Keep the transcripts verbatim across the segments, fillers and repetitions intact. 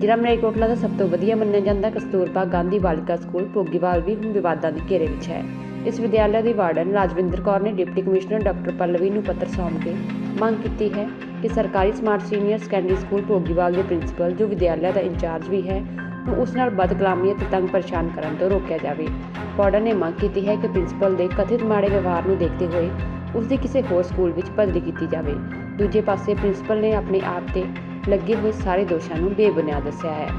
ਜ਼ਿਲ੍ਹਾ ਮਲੇਰਕੋਟਲਾ ਦਾ ਸਭ ਤੋਂ ਵਧੀਆ ਮੰਨਿਆ ਜਾਂਦਾ ਕਸਤੂਰਬਾ ਗਾਂਧੀ ਬਾਲਿਕਾ ਸਕੂਲ ਭੋਗੀਵਾਲ ਵੀ ਹੁਣ ਵਿਵਾਦਾਂ ਦੇ ਘੇਰੇ ਵਿੱਚ ਹੈ। ਇਸ ਵਿਦਿਆਲਿਆ ਦੀ ਵਾਰਡਨ ਰਾਜਵਿੰਦਰ ਕੌਰ ਨੇ ਡਿਪਟੀ ਕਮਿਸ਼ਨਰ ਡਾਕਟਰ ਪੱਲਵੀ ਨੂੰ ਪੱਤਰ ਸੌਂਪ ਕੇ ਮੰਗ ਕੀਤੀ ਹੈ ਕਿ ਸਰਕਾਰੀ smart senior secondary school Bhogiwal ਦੇ ਪ੍ਰਿੰਸੀਪਲ ਜੋ ਵਿਦਿਆਲਿਆ ਦਾ ਇੰਚਾਰਜ ਵੀ ਹੈ ਨੂੰ ਉਸ ਨਾਲ ਬਦਕਲਾਮੀ ਅਤੇ ਤੰਗ ਪਰੇਸ਼ਾਨ ਕਰਨ ਤੋਂ ਰੋਕਿਆ ਜਾਵੇ। ਵਾਰਡਨ ਨੇ ਮੰਗ ਕੀਤੀ ਹੈ ਕਿ ਪ੍ਰਿੰਸੀਪਲ ਦੇ ਕਥਿਤ ਮਾੜੇ ਵਿਵਹਾਰ ਨੂੰ ਦੇਖਦੇ ਹੋਏ ਉਸ ਦੀ ਕਿਸੇ ਹੋਰ ਸਕੂਲ ਵਿੱਚ ਬਦਲੀ ਕੀਤੀ ਜਾਵੇ। ਦੂਜੇ ਪਾਸੇ ਪ੍ਰਿੰਸੀਪਲ ਨੇ ਆਪਣੇ ਆਪ ਤੇ ਲੱਗੇ ਹੋਏ ਸਾਰੇ ਦੋਸ਼ਾਂ ਨੂੰ ਬੇਬੁਨਿਆਦ ਦੱਸਿਆ ਹੈ।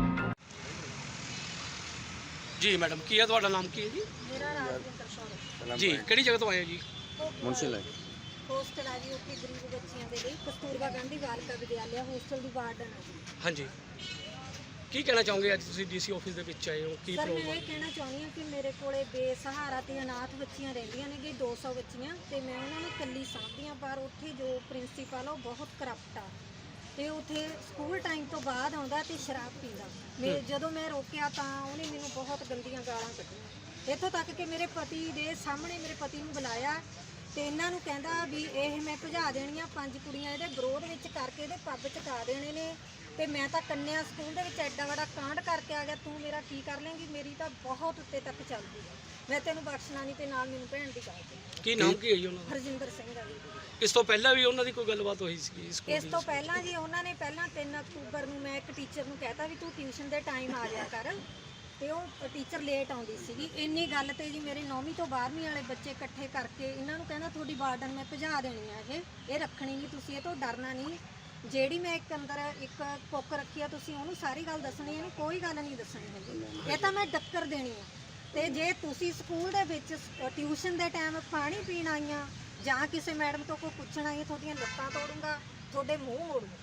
ਜੀ ਮੈਡਮ, ਕੀ ਹੈ ਤੁਹਾਡਾ ਨਾਮ ਕੀ ਹੈ ਜੀ? ਮੇਰਾ ਰਾਜਵਿੰਦਰ ਕੌਰ ਜੀ, ਕਿਹੜੀ ਜਗ੍ਹਾ ਤੋਂ ਆਏ ਹੋ ਜੀ? ਮੁਨਸੀ ਲਾਈ ਹੋਸਟਲ ਆ ਜੀ, ਉੱਥੇ ਗਰੀਬ ਬੱਚਿਆਂ ਦੇ ਲਈ ਕਸਤੂਰਬਾ ਗਾਂਧੀ ਬਾਲਿਕਾ ਵਿਦਿਆਲਿਆ ਹੋਸਟਲ ਦੀ ਵਾਰਡਨ ਆ ਜੀ। ਹਾਂਜੀ, ਕੀ ਕਹਿਣਾ ਚਾਹੋਗੇ ਅੱਜ ਤੁਸੀਂ ਡੀਸੀ ਆਫਿਸ ਦੇ ਵਿੱਚ ਆਏ ਹੋ? ਕੀ ਸਰ, ਮੈਂ ਪ੍ਰੋਬਲਮ? ਇਹ ਕਹਿਣਾ ਚਾਹੁੰਦੀ ਹਾਂ ਕਿ ਮੇਰੇ ਕੋਲੇ ਬੇਸਹਾਰਾ ਤੇ ਅਨਾਥ ਬੱਚੀਆਂ ਰਹਿੰਦੀਆਂ ਨੇ ਜੀ, ਦੋ ਸੌ ਬੱਚੀਆਂ, ਤੇ ਮੈਂ ਉਹਨਾਂ ਨੂੰ ਇਕੱਲੀ ਸਾਂਭਦੀ ਹਾਂ। ਪਰ ਉੱਥੇ ਜੋ ਪ੍ਰਿੰਸੀਪਲ ਆ ਉਹ ਬਹੁਤ ਕਰਪਟ ਆ ਤੇ ਉੱਥੇ ਸਕੂਲ ਟਾਈਮ ਤੋਂ ਬਾਅਦ ਆਉਂਦਾ ਤੇ ਸ਼ਰਾਬ ਪੀਂਦਾ। ਮੈਂ ਜਦੋਂ ਮੈਂ ਰੋਕਿਆ ਤਾਂ ਉਹਨੇ ਮੈਨੂੰ ਬਹੁਤ ਗੰਦੀਆਂ ਗਾਲਾਂ ਕੱਢੀਆਂ, ਇੱਥੋਂ ਤੱਕ ਕਿ ਮੇਰੇ ਪਤੀ ਦੇ ਸਾਹਮਣੇ ਮੇਰੇ ਪਤੀ ਨੂੰ ਬੁਲਾਇਆ ਤੇ ਇਹਨਾਂ ਨੂੰ ਕਹਿੰਦਾ ਵੀ ਇਹ ਮੈਂ ਭਜਾ ਦੇਣੀਆਂ, ਪੰਜ ਕੁੜੀਆਂ ਇਹਦੇ ਵਿਰੋਧ ਵਿੱਚ ਕਰਕੇ ਇਹਦੇ ਪੱਬ ਚਕਾ ਦੇਣੇ ਨੇ ਤੇ ਮੈਂ ਤਾਂ ਕੰਨਿਆ ਸਕੂਲ ਦੇ ਵਿੱਚ ਐਡਾ ਵੱਡਾ ਕਾਂਡ ਕਰਕੇ ਆ ਗਿਆ, ਤੂੰ ਮੇਰਾ ਕੀ ਕਰ ਲੇਂਗੀ? ਮੇਰੀ ਤਾਂ ਬਹੁਤ ਉੱਤੇ ਤੱਕ ਚੱਲਦੀ ਹੈ, ਮੈਂ ਤੈਨੂੰ ਬਖਸ਼ਣਾ ਨਹੀਂ। ਤੇ ਨਾਲ ਮੈਨੂੰ ਭੈਣ ਦੀ ਗੱਲ ਤੇ ਕੀ ਨਾਮ ਕੀ ਹੈ ਜੀ ਉਹਨਾਂ ਦਾ? ਹਰਜਿੰਦਰ ਸਿੰਘ ਆ ਜੀ। ਇਸ ਤੋਂ ਪਹਿਲਾਂ ਵੀ ਉਹਨਾਂ ਦੀ ਕੋਈ ਗੱਲਬਾਤ ਹੋਈ ਸੀ ਸਕੂਲ ਇਸ ਤੋਂ ਪਹਿਲਾਂ ਜੀ ਉਹਨਾਂ ਨੇ ਪਹਿਲਾਂ ਤਿੰਨ ਅਕਤੂਬਰ ਨੂੰ ਮੈਂ ਇੱਕ ਟੀਚਰ ਨੂੰ ਕਹਿਤਾ ਵੀ ਤੂੰ ਟਿਊਸ਼ਨ ਦੇ ਟਾਈਮ ਆ ਜਾਇਆ ਕਰ, ਤੇ ਉਹ ਟੀਚਰ ਲੇਟ ਆਉਂਦੀ ਸੀਗੀ। ਇੰਨੀ ਗੱਲ ਤੇ ਜੀ ਮੇਰੇ ਨੌਵੀਂ ਤੋਂ ਬਾਰ੍ਹਵੀਂ ਵਾਲੇ ਬੱਚੇ ਇਕੱਠੇ ਕਰਕੇ ਇਹਨਾਂ ਨੂੰ ਕਹਿੰਦਾ ਤੁਹਾਡੀ ਵਾਰਡਨ ਮੈਂ ਭਜਾ ਦੇਣੀ ਆ, ਇਹ ਇਹ ਰੱਖਣੀ ਨਹੀਂ, ਤੁਸੀਂ ਇਹ ਤੋਂ ਡਰਨਾ ਨਹੀਂ। ਜਿਹੜੀ ਮੈਂ ਇੱਕ ਅੰਦਰ ਇੱਕ ਕੁੱਕ ਰੱਖੀ ਆ, ਤੁਸੀਂ ਉਹਨੂੰ ਸਾਰੀ ਗੱਲ ਦੱਸਣੀ ਹੈ, ਕੋਈ ਗੱਲ ਨਹੀਂ ਦੱਸਣੀ ਹੈਗੀ, ਇਹ ਤਾਂ ਮੈਂ ਡੱਕਰ ਦੇਣੀ ਆ। ਤੇ ਜੇ ਤੁਸੀਂ ਸਕੂਲ ਦੇ ਵਿੱਚ ਟਿਊਸ਼ਨ ਦੇ ਟਾਈਮ ਪਾਣੀ ਪੀਣ ਆਈਆਂ ਜਾਂ ਕਿਸੇ ਮੈਡਮ ਤੋਂ ਕੋਈ ਪੁੱਛਣ ਆਈ, ਤੁਹਾਡੀਆਂ ਲੱਤਾਂ ਤੋੜੂੰਗਾ, ਤੁਹਾਡੇ ਮੂੰਹ ਮੋੜੂੰਗਾ।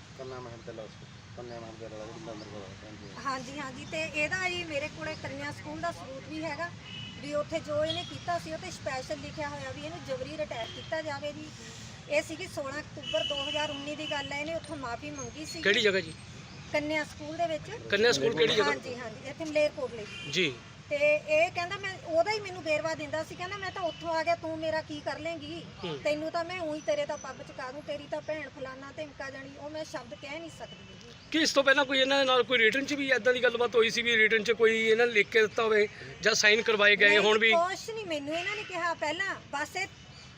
ਹਾਂਜੀ ਹਾਂਜੀ, ਤੇ ਇਹਦਾ ਜੀ ਮੇਰੇ ਕੋਲੇ ਕੰਨਿਆ ਸਕੂਲ ਦਾ ਸਬੂਤ ਵੀ ਹੈਗਾ ਵੀ ਉੱਥੇ ਜੋ ਇਹਨੇ ਕੀਤਾ ਸੀ ਉਹ ਤੇ ਸਪੈਸ਼ਲ ਲਿਖਿਆ ਹੋਇਆ ਵੀ ਇਹਨੂੰ ਜਬਰੀ ਰਿਟਾਇਰ ਕੀਤਾ ਜਾਵੇ ਜੀ। ਇਹ ਸੀਗੀ ਸੋਲਾਂ ਅਕਤੂਬਰ ਦੋ ਹਜ਼ਾਰ ਉੱਨੀ ਦੀ ਗੱਲ ਹੈ, ਇਹਨੇ ਉੱਥੋਂ ਮਾਫੀ ਮੰਗੀ ਸੀ। ਕਿਹੜੀ ਜਗ੍ਹਾ ਜੀ? ਕੰਨਿਆ ਸਕੂਲ ਦੇ ਵਿੱਚ। ਕੰਨਿਆ ਸਕੂਲ ਕਿਹੜੀ ਜਗ੍ਹਾ? ਹਾਂਜੀ ਹਾਂਜੀ, ਇੱਥੇ ਮਲੇਰਕੋਟਲੇ ਜੀ। ਤੇ ਇਹ ਕਹਿੰਦਾ ਮੈਂ ਉਹਦਾ ਹੀ ਮੈਨੂੰ ਵੇਰਵਾ ਦਿੰਦਾ ਸੀ, ਕਹਿੰਦਾ ਮੈਂ ਤਾਂ ਉੱਥੋਂ ਆ ਗਿਆ, ਤੂੰ ਮੇਰਾ ਕੀ ਕਰ ਲੇਂਗੀ? ਤੈਨੂੰ ਤਾਂ ਮੈਂ ਉਹੀ ਤੇਰੇ ਤਾਂ ਪੱਬ ਚਕਾ ਦੂੰ, ਤੇਰੀ ਤਾਂ ਭੈਣ ਫਲਾਨਾ ਧਮਕਾ ਜਾਣੀ। ਉਹ ਮੈਂ ਸ਼ਬਦ ਕਹਿ ਨਹੀਂ ਸਕਦੀ। ਕੀ ਇਸ ਤੋਂ ਪਹਿਲਾਂ ਕੋਈ ਇਹਨਾਂ ਦੇ ਨਾਲ ਕੋਈ ਰਿਟਨ 'ਚ ਵੀ ਇਦਾਂ ਦੀ ਗੱਲਬਾਤ ਹੋਈ ਸੀ ਵੀ ਰਿਟਨ 'ਚ ਕੋਈ ਇਹਨਾਂ ਨੇ ਲਿਖ ਕੇ ਦਿੱਤਾ ਹੋਵੇ ਜਾਂ ਸਾਈਨ ਕਰਵਾਏ ਗਏ ਹੁਣ ਵੀ? ਕੁਛ ਨਹੀਂ ਮੈਨੂੰ ਇਹਨਾਂ ਨੇ ਕਿਹਾ ਪਹਿਲਾਂ, ਬਸ ਇਹ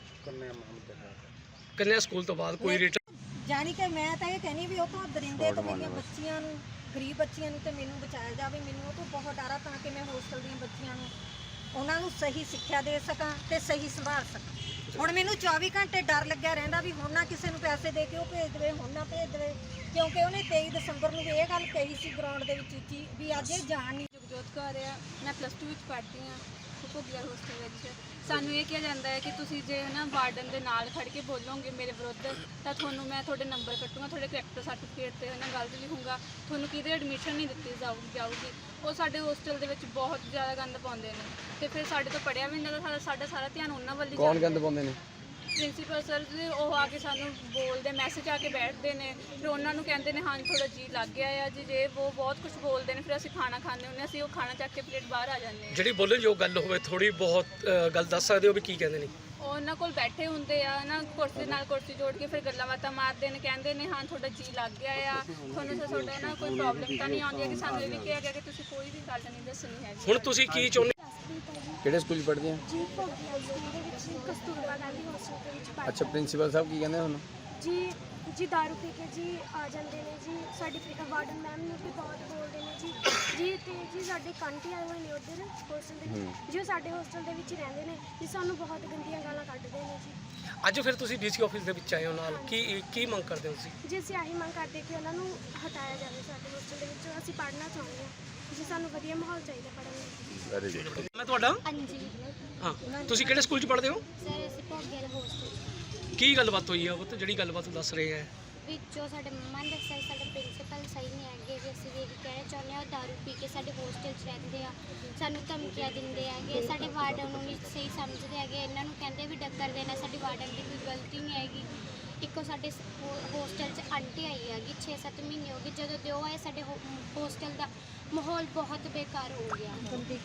ਕੰਨਿਆ ਸਕੂਲ ਤੋਂ ਬਾਅਦ ਕੋਈ ਰਿਟਨ? ਜਾਣੀ ਕਿ ਮੈਂ ਤਾਂ ਇਹ ਕਹਿੰਦੀ ਵੀ ਉਹ ਤੋਂ ਦਰਿੰਦੇ ਤੋਂ ਮੇਰੀਆਂ ਬੱਚੀਆਂ ਨੂੰ, ਗਰੀਬ ਬੱਚੀਆਂ ਨੂੰ ਤੇ ਮੈਨੂੰ ਬਚਾਇਆ ਜਾਵੇ। ਮੈਨੂੰ ਉਹ ਤੋਂ ਬਹੁਤ ਡਰ ਆ ਤਾਂ ਕਿ ਮੈਂ ਹੋਸਟਲ ਦੀਆਂ ਬੱਚੀਆਂ ਨੂੰ ਉਹਨਾਂ ਨੂੰ ਸਹੀ ਸਿੱਖਿਆ ਦੇ ਸਕਾਂ ਤੇ ਸਹੀ ਸੰਭਾਲ ਸਕਾਂ। ਹੁਣ ਮੈਨੂੰ ਚੌਵੀ ਘੰਟੇ ਡਰ ਲੱਗਿਆ ਰਹਿੰਦਾ ਵੀ ਹੁਣ ਨਾ ਕਿਸੇ ਨੂੰ ਪੈਸੇ ਦੇ ਕੇ ਉਹ ਭੇਜ ਦੇਵੇ, ਹੁਣ ਨਾ ਭੇਜ ਦੇਵੇ, ਕਿਉਂਕਿ ਉਹਨੇ ਤੇਈ ਦਸੰਬਰ ਨੂੰ ਵੀ ਇਹ ਗੱਲ ਕਹੀ ਸੀ ਗਰਾਊਂਡ ਦੇ ਵਿੱਚ ਉੱਚੀ ਵੀ ਅੱਜ ਇਹ ਜਾਣ ਨਹੀਂ। ਜਗਜੋਤ ਕੌਰ ਆ, ਮੈਂ ਪਲੱਸ ਟੂ ਵਿੱਚ ਪੜ੍ਹਦੀ ਹਾਂ ਭੋਗੀਵਾਲ ਹੋਸਟਲ ਵਿੱਚ। ਸਾਨੂੰ ਇਹ ਕਿਹਾ ਜਾਂਦਾ ਹੈ ਕਿ ਤੁਸੀਂ ਜੇ ਨਾ ਵਾਰਡਨ ਦੇ ਨਾਲ ਖੜ੍ਹ ਕੇ ਬੋਲੋਗੇ ਮੇਰੇ ਵਿਰੁੱਧ ਤਾਂ ਤੁਹਾਨੂੰ ਮੈਂ ਤੁਹਾਡੇ ਨੰਬਰ ਕੱਟੂੰਗਾ, ਤੁਹਾਡੇ ਕਰੈਕਟਰ ਸਰਟੀਫਿਕੇਟ 'ਤੇ ਨਾ ਗਲਤ ਲਿਖੂੰਗਾ, ਤੁਹਾਨੂੰ ਕਿਤੇ ਐਡਮਿਸ਼ਨ ਨਹੀਂ ਦਿੱਤੀ ਜਾਊ ਜਾਊਗੀ। ਉਹ ਸਾਡੇ ਹੋਸਟਲ ਦੇ ਵਿੱਚ ਬਹੁਤ ਜ਼ਿਆਦਾ ਗੰਦ ਪਾਉਂਦੇ ਨੇ ਤੇ ਫਿਰ ਸਾਡੇ ਤੋਂ ਪੜ੍ਹਿਆ ਵੀ ਨਹੀਂ ਜਾਂਦਾ, ਸਾਡਾ ਸਾਰਾ ਧਿਆਨ ਉਹਨਾਂ ਵੱਲ ਹੀ। ਕੌਣ ਗੰਦ ਪਾਉਂਦੇ ਨੇ? ਪ੍ਰਿੰਸੀਪਲ ਸਰ ਜੀ, ਉਹ ਆ ਕੇ ਸਾਨੂੰ ਬੋਲਦੇ, ਮੈਸੇਜ ਆ ਕੇ ਬੈਠਦੇ ਨੇ, ਫਿਰ ਉਹਨਾਂ ਨੂੰ ਕਹਿੰਦੇ ਨੇ ਹਾਂ ਥੋੜਾ ਜੀ ਲੱਗ ਗਿਆ ਆ ਜੀ, ਜੇ ਉਹ ਬਹੁਤ ਕੁਝ ਬੋਲਦੇ ਨੇ। ਫਿਰ ਅਸੀਂ ਖਾਣਾ ਖਾਂਦੇ ਹੁੰਦੇ, ਅਸੀਂ ਉਹ ਖਾਣਾ ਚੱਕ ਕੇ ਪਲੇਟ ਬਾਹਰ ਆ ਜਾਂਦੇ ਹਾਂ। ਜਿਹੜੀ ਬੋਲਣ ਜੋ ਗੱਲ ਹੋਵੇ ਥੋੜੀ ਬਹੁਤ ਗੱਲ ਦੱਸ ਸਕਦੇ ਹੋ ਵੀ ਕੀ ਕਹਿੰਦੇ ਨੇ? ਉਹ ਉਹਨਾਂ ਕੋਲ ਬੈਠੇ ਹੁੰਦੇ ਆ ਨਾ, ਕੁਰਸੀ ਨਾਲ ਕੁਰਸੀ ਜੋੜ ਕੇ ਫਿਰ ਗੱਲਾਂ ਬਾਤਾਂ ਮਾਰਦੇ ਨੇ, ਕਹਿੰਦੇ ਨੇ ਹਾਂ ਤੁਹਾਡਾ ਜੀ ਲੱਗ ਗਿਆ ਆ, ਤੁਹਾਨੂੰ ਤਾਂ ਤੁਹਾਡਾ ਨਾ ਕੋਈ ਪ੍ਰੋਬਲਮ ਤਾਂ ਨਹੀਂ ਆਉਂਦੀ ਹੈ। ਕਿ ਸਾਨੂੰ ਇਹ ਵੀ ਕਿਹਾ ਗਿਆ ਕਿ ਤੁਸੀਂ ਕੋਈ ਵੀ ਗੱਲ ਨਹੀਂ ਦੱਸਣੀ ਹੈ। ਹੁਣ ਤੁਸੀਂ ਕੀ ਚਾਹੁੰਦੇ? ਕਿਹੜੇ ਸਕੂਲ 'ਚ ਪੜ੍ਹਦੇ ਆ? ਜੀ ਭੋਗੀਵਾਲ ਸਕੂਲ ਦੇ ਵਿੱਚ ਕਸਤੂਰਬਾ ਗਾਂਧੀ ਹੋਸਟਲ ਦੇ ਵਿੱਚ ਪੜ੍ਹਦੀ। ਅੱਛਾ, ਪ੍ਰਿੰਸੀਪਲ ਸਾਹਿਬ ਕੀ ਕਹਿੰਦੇ ਹੁਣ? ਜੀ ਜੀ ਦਾਰੂ ਪੀ ਕੇ ਜੀ ਆ ਜਾਂਦੇ ਨੇ ਜੀ, ਸਾਡੀ ਵਾਰਡਨ ਮੈਮ ਨੂੰ ਵੀ ਬਹੁਤ ਬੋਲਦੇ ਨੇ ਜੀ ਜੀ ਤੇ ਜੀ ਸਾਡੇ ਕਾਂਟੀ ਆਏ ਹੋਏ ਨੇ ਉੱਧਰ ਹੋਸਟਲ ਦੇ ਵਿੱਚ, ਜੋ ਸਾਡੇ ਹੋਸਟਲ ਦੇ ਵਿੱਚ ਹੀ ਰਹਿੰਦੇ ਨੇ ਜੀ, ਸਾਨੂੰ ਬਹੁਤ ਗੰਦੀਆਂ ਗਾਲਾਂ ਕੱਢਦੇ ਨੇ ਜੀ। ਅੱਜ ਫਿਰ ਤੁਸੀਂ ਡੀਸੀ ਆਫਿਸ ਦੇ ਵਿੱਚ ਆਏ ਹੋ, ਨਾਲ ਕੀ ਕੀ ਮੰਗ ਕਰਦੇ ਹੋ ਤੁਸੀਂ? ਜੀ ਅਸੀਂ ਆਹੀ ਮੰਗ ਕਰਦੇ ਕਿ ਉਹਨਾਂ ਨੂੰ ਹਟਾਇਆ ਜਾਵੇ ਸਾਡੇ ਹੋਸਟਲ ਦੇ ਵਿੱਚੋਂ। ਅਸੀਂ ਪੜ੍ਹਨਾ ਚਾਹੁੰਦੇ ਹਾਂ ਜੀ, ਸਾਨੂੰ ਵਧੀਆ ਮਾਹੌਲ ਚਾਹੀਦਾ ਪੜ੍ਹਨ ਲਈ। Very good. ਮੈਂ ਤੁਹਾਡਾ? ਹਾਂਜੀ ਹਾਂ, ਤੁਸੀਂ ਕਿਹੜੇ ਸਕੂਲ 'ਚ ਪੜ੍ਹਦੇ ਹੋ? ਸਰ, ਅਸੀਂ ਭੋਗੀਵਾਲ ਹੋਸਟਲ। ਕੀ ਗੱਲਬਾਤ ਹੋਈ ਆ ਉਹ ਤੇ ਜਿਹੜੀ ਗੱਲਬਾਤ ਦੱਸ ਰਹੇ ਆ? ਵਿੱਚੋਂ ਸਾਡੇ ਮੰਮਾ ਨੇ ਦੱਸਿਆ ਸਾਡੇ ਪ੍ਰਿੰਸੀਪਲ ਸਹੀ ਨਹੀਂ ਹੈਗੇ ਵੀ, ਅਸੀਂ ਇਹ ਕਹਿਣਾ ਚਾਹੁੰਦੇ ਹਾਂ ਦਾਰੂ ਪੀ ਕੇ ਸਾਡੇ ਹੋਸਟਲ 'ਚ ਰਹਿੰਦੇ ਆ, ਸਾਨੂੰ ਧਮਕੀਆਂ ਦਿੰਦੇ ਹੈਗੇ, ਸਾਡੇ ਵਾਰਡਨ ਨੂੰ ਨਹੀਂ ਸਹੀ ਸਮਝਦੇ ਹੈਗੇ, ਇਹਨਾਂ ਨੂੰ ਕਹਿੰਦੇ ਵੀ ਡੱਕਰ ਦੇਣਾ, ਸਾਡੀ ਵਾਰਡਨ ਦੀ ਕੋਈ ਗਲਤੀ ਨਹੀਂ ਹੈਗੀ। ਇੱਕੋ ਸਾਡੇ ਹੋਸਟਲ 'ਚ ਆਂਟੀ ਆਈ ਹੈਗੀ, ਛੇ ਸੱਤ ਮਹੀਨੇ ਹੋ ਗਏ ਜਦੋਂ ਦੇ ਉਹ ਆਏ, ਸਾਡੇ ਹੋਸਟਲ ਦਾ ਮਾਹੌਲ ਬਹੁਤ ਬੇਕਾਰ ਹੋ ਗਿਆ।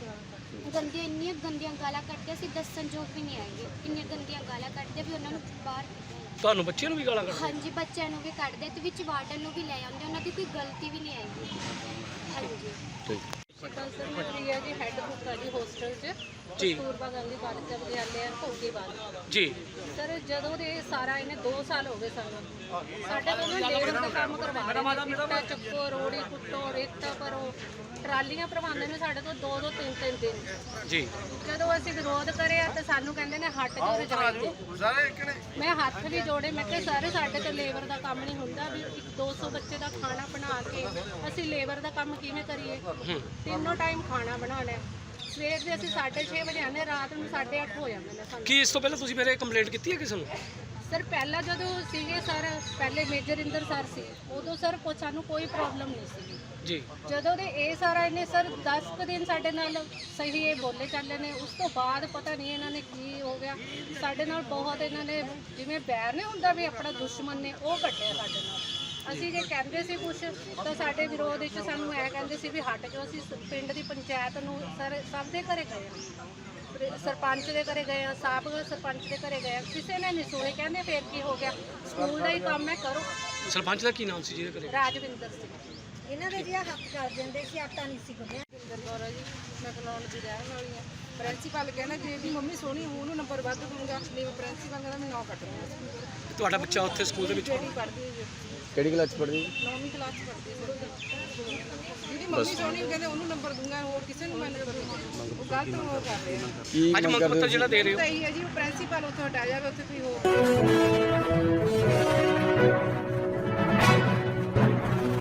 ਗੰਦੀਆਂ ਇੰਨੀਆਂ ਗੰਦੀਆਂ ਗਾਲਾਂ ਕੱਢਦੇ, ਅਸੀਂ ਦੱਸਣ ਯੋਗ ਵੀ ਨਹੀਂ ਹੈਗੇ, ਇੰਨੀਆਂ ਗੰਦੀਆਂ ਗਾਲਾਂ ਕੱਢਦੇ ਵੀ ਉਹਨਾਂ ਨੂੰ ਬਾਹਰ ਤੁਹਾਨੂੰ ਬੱਚਿਆਂ ਨੂੰ ਵੀ ਗਾਲਾਂ ਕੱਢਦੇ? ਹਾਂਜੀ, ਬੱਚਿਆਂ ਨੂੰ ਵੀ ਕੱਢਦੇ ਤੇ ਵਿੱਚ ਵਾਰਡਨ ਨੂੰ ਵੀ ਲੈ ਆਉਂਦੇ, ਉਹਨਾਂ ਦੀ ਕੋਈ ਗਲਤੀ ਵੀ ਨਹੀਂ ਹੈਗੀ। ਹਾਂਜੀ ਸ਼ਿਕਲ ਸਰ ਮੈਂ ਰੀਆ ਜੀ ਹੈੱਡ ਕੁੱਕ ਆ ਜੀ ਹੋਸਟਲ 'ਚ ਜੀ। ਕਸਤੂਰਬਾ ਗਾਂਧੀ ਬਾਲਿਕਾ ਵਿਦਿਆਲਿਆ ਭੋਗੀਵਾਲ। ਜੀ ਸਰ ਜਦੋਂ ਦੇ ਸਾਰਾ ਇਹਨੇ ਦੋ ਸਾਲ ਹੋ ਗਏ ਸਾਨੂੰ, ਸਾਡੇ ਕੋਲ ਨਾ ਲੇਬਰ ਦਾ ਕੰਮ ਕਰਵਾ ਰਹੇ ਨੇ, ਇੱਟਾਂ ਚੱਕੋ, ਰੋੜੀ ਕੁੱਟੋ, ਰੇਤਾ ਭਰੋ, ਟਰਾਲੀਆਂ ਭਰਵਾਉਂਦੇ ਨੇ ਸਾਡੇ ਤੋਂ ਦੋ ਦੋ ਤਿੰਨ ਤਿੰਨ ਦਿਨ। ਜੀ ਜਦੋਂ ਅਸੀਂ ਵਿਰੋਧ ਕਰਿਆ ਤੇ ਸਾਨੂੰ ਕਹਿੰਦੇ ਨੇ ਹੱਟ ਜਾਓ ਰਜਾਈ ਤੇ। ਮੈਂ ਹੱਥ ਵੀ ਜੋੜੇ, ਮੈਂ ਕਿਹਾ ਸਾਰੇ ਸਾਡੇ ਤੋਂ ਲੇਬਰ ਦਾ ਕੰਮ ਨਹੀਂ ਹੁੰਦਾ ਵੀ ਇੱਕ ਦੋ ਸੌ ਬੱਚੇ ਦਾ ਖਾਣਾ ਬਣਾ ਕੇ ਅਸੀਂ ਲੇਬਰ ਦਾ ਕੰਮ ਕਿਵੇਂ ਕਰੀਏ? ਤਿੰਨੋਂ ਟਾਈਮ ਖਾਣਾ ਬਣਾਉਣਾ ਹੈ। ਸਵੇਰ ਦੇ ਅਸੀਂ ਸਾਢੇ ਛੇ ਵਜੇ ਆਉਂਦੇ, ਰਾਤ ਨੂੰ ਸਾਢੇ ਅੱਠ ਹੋ ਜਾਂਦੇ ਨੇ ਸਾਨੂੰ। ਕੀ ਇਸ ਤੋਂ ਪਹਿਲਾਂ ਤੁਸੀਂ ਮੇਰੇ ਕੰਪਲੇਂਟ ਕੀਤੀ ਹੈ ਕਿਸੇ ਨੂੰ? ਸਰ ਪਹਿਲਾਂ ਜਦੋਂ ਸੀਗੇ ਸਰ, ਪਹਿਲੇ ਮੇਜਰ ਇੰਦਰ ਸਰ ਸੀ, ਉਦੋਂ ਸਰ ਕੋ ਸਾਨੂੰ ਕੋਈ ਪ੍ਰੋਬਲਮ ਨਹੀਂ ਸੀ। ਜੀ ਜਦੋਂ ਦੇ ਇਹ ਸਾਰਾ ਇਹਨੇ ਸਰ ਦਸ ਕੁ ਦਿਨ ਸਾਡੇ ਨਾਲ ਸਹੀ ਇਹ ਬੋਲੇ ਚੱਲੇ ਨੇ, ਉਸ ਤੋਂ ਬਾਅਦ ਪਤਾ ਨਹੀਂ ਇਹਨਾਂ ਨੇ ਕੀ ਹੋ ਗਿਆ ਸਾਡੇ ਨਾਲ। ਬਹੁਤ ਇਹਨਾਂ ਨੇ ਜਿਵੇਂ ਬੈਰ ਨਹੀਂ ਹੁੰਦਾ ਵੀ ਆਪਣਾ ਦੁਸ਼ਮਣ ਨੇ, ਉਹ ਕੱਢਿਆ ਸਾਡੇ ਨਾਲ। ਅਸੀਂ ਜੇ ਕਹਿੰਦੇ ਸੀ ਕੁਛ ਤਾਂ ਸਾਡੇ ਵਿਰੋਧ ਵਿੱਚ ਸਾਨੂੰ ਐ ਕਹਿੰਦੇ ਸੀ ਵੀ ਹਟ ਜਾਓ। ਅਸੀਂ ਸ- ਪਿੰਡ ਦੀ ਪੰਚਾਇਤ ਨੂੰ ਸਰ ਸਭ ਦੇ ਘਰੇ ਗਏ ਹਾਂ, ਸਰਪੰਚ ਦੇ ਘਰੇ ਗਏ ਹਾਂ, ਸਾਬਕਾ ਸਰਪੰਚ ਦੇ ਘਰੇ ਗਏ ਹਾਂ, ਕਿਸੇ ਨੇ ਨਹੀਂ ਸੁਣੇ। ਕਹਿੰਦੇ ਫੇਰ ਕੀ ਹੋ ਗਿਆ, ਸਕੂਲ ਦਾ ਹੀ ਕੰਮ ਹੈ, ਕਰੋ। ਸਰਪੰਚ ਦਾ ਕੀ ਨਾਮ ਸੀ ਜਿਹਦੇ ਘਰੇ? ਰਾਜਵਿੰਦਰ ਸਿੰਘ ਇਹਨਾਂ ਦੇ ਜਿਹਾ ਹੱਥ ਕਰ ਦਿੰਦੇ ਸੀ, ਆਟਾ ਨਹੀਂ ਸੀ ਗੁੰਨਿਆ। ਇੰਦਰ ਕੌਰ ਆ ਜੀ, ਮੈਂ ਕਲੋਨ ਦੀ ਰਹਿਣ ਵਾਲੀ ਹਾਂ। ਪ੍ਰਿੰਸੀਪਲ ਕਹਿੰਦਾ ਜੇ ਵੀ ਮੰਮੀ ਸੋਹਣੀ ਹੋਊ ਉਹਨੂੰ ਨੰਬਰ ਵੱਧ ਦੂੰਗਾ, ਨਹੀਂ ਪ੍ਰਿੰਸੀਪਲ ਕਹਿੰਦਾ ਮੈਂ ਨੌ ਕੱਟੂੰਗਾ। ਤੁਹਾਡਾ ਬੱਚਾ ਉੱਥੇ ਸਕੂਲ ਦੇ ਵਿੱਚ ਬੇਟੀ ਪੜ੍ਹਦੀ ਹੈ ਜੀ, ਕਿਹੜੀ ਕਲਾਸ 'ਚ ਪੜ੍ਹਦੀ ਹੈ? ਨੌਵੀਂ ਕਲਾਸ 'ਚ ਪੜ੍ਹਦੀ ਹੈ। ਜਿਹਦੀ ਮੰਮੀ ਸੋਹਣੀ ਉਹ ਕਹਿੰਦੇ ਉਹਨੂੰ ਨੰਬਰ ਦੂੰਗਾ, ਹੋਰ ਕਿਸੇ ਨੂੰ ਮੈਂ ਨੰਬਰ ਦੂੰਗਾ। ਉਹ ਗਲਤ ਉਹ ਕਰ ਰਹੇ ਆ। ਕੀ ਅੱਜ ਮੰਗ ਮੰਗ ਕਰਦੇ ਪੱਤਰ ਹੋ ਜਿਹੜਾ ਦੇ ਰਹੇ ਹੋ? ਤਾਂ ਇਹੀ ਹੈ ਜੀ, ਉਹ ਪ੍ਰਿੰਸੀਪਲ ਉੱਥੋਂ ਹਟਾ ਜਾਵੇ, ਉੱਥੇ ਕੋਈ ਹੋਰ